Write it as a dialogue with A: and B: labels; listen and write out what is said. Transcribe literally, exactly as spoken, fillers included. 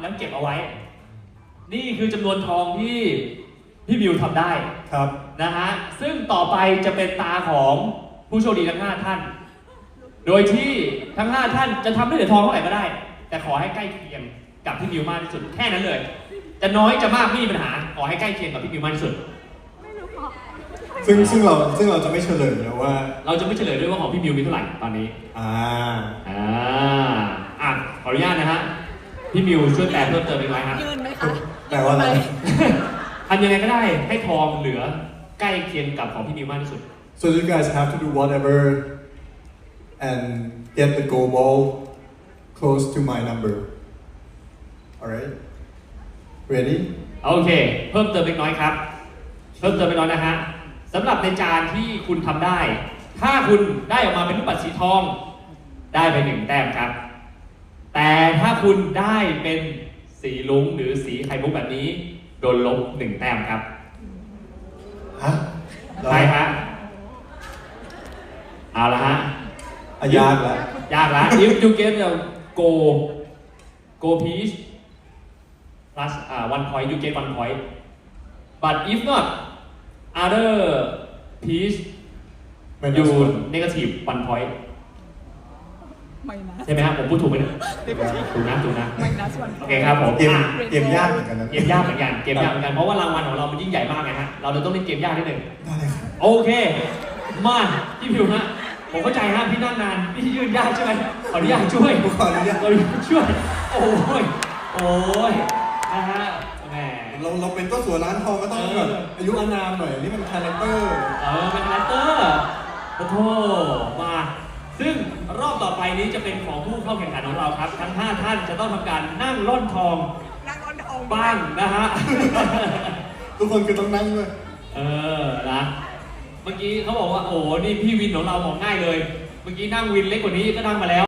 A: แล้วเก็บเอาไว้ นี่คือจำนวนทองที่พี่มิวทำได้
B: ครับ
A: นะฮะซึ่งต่อไปจะเป็นตาของผู้โชคดีทั้งห้าท่าน โดยที่ทั้งห้าท่านจะทำได้เหรียญทองเท่าไหร่ก็ได้ แต่ขอให้ใกล้เคียงกับพี่มิวมากที่สุดแค่นั้นเลย จะน้อยจะมากไม่มีปัญหาขอให้ใกล้เคียงกับพี่มิวมากที่สุด
B: ซึ่งซึ่งเราซึ่งเราจะไม่เฉลยนะว่า
A: เราจะไม่เฉลยด้วยว่าของพี่มิวมีเท่าไหร่ตอนนี้
B: อ่า
A: อ่าอ่ะขออนุญาตนะฮะพี่มิวช่วยแปลเพิ่มเติมอีกไหมฮะ
C: ยืนไหมคะ
B: แปลว่าอะไร
A: ทำยังไงก็ได้ให้ทองเหลือใกล้เคียงกับของพี่มิวมากที่สุด
B: so you guys have to do whatever and get the gold ball close to my number alright ready
A: โอเค เพิ่มเติมเล็กน้อยครับ เพิ่มเติมเล็กน้อยนะฮะสำหรับในจานที่คุณทำได้ ถ้าคุณได้ออกมาเป็นลูกปัดสีทอง ได้ไปหนึ่งแต้มครับ แต่ถ้าคุณได้เป็นสีลุ้งหรือสีไข่มุกแบบนี้โดนลบหนึ่งแต้มครับ
B: ฮะ
A: ใช่ฮะเอาละฮะ
B: อ่ะยากแล้ว
A: ยากละ if you get the go go piece plus uh, one point you get one point but if not other piece
B: ไม่
A: you
B: ได้ส่วน
A: negative one point
C: ไม่นะ
A: ใช่ไหมครับผมพูดถูกไหมเนี่ยถูกนะถูกนะ
C: ไม่นะส่วน
A: โอเคครับผม
B: เกม
A: อ่ะ
B: เกมยากเหมือนกันนะ
A: เกมยากเหมือนกันเกมยากเหมือนกันเพราะว่ารางวัลของเรามันยิ่งใหญ่มากไงฮะเราเลยต้องเล่นเกมยากนิดหนึ่ง
B: ได้เลยครับ
A: โอเคมาพี่ผิวฮะผมเข้าใจฮะพี่นั่งนานพี่ยืนยากใช่ไหมขออนุญาตช่วย
B: ขออนุญาต
A: ขออนุญาตช่วย โอ้ย โอ้ย นะฮะ แหม
B: เราเราเป็นก็สัวร้านทองก็ต้องแบบอายุอานามหน่อยนี่มันคาแรคเตอร์
A: เออเป็นคาแรคเตอร์โอ้โหมา ซึ่งรอบต่อไปนี้จะเป็นของผู้เข้าแข่งขันของเราครับ ทั้งห้าท่านจะต้องทำการนั่งล่อนทอง
C: นั่งก้อนทอง
A: บ้างนะฮะ
B: ทุกคนคือต้องนั่งด้วย
A: เออ นะ เมื่อกี้เขาบอกว่า โอ้ นี่พี่วินของเราบอกง่ายเลย เมื่อกี้นั่งวินเล็กกว่านี้ก็นั่งมาแล้ว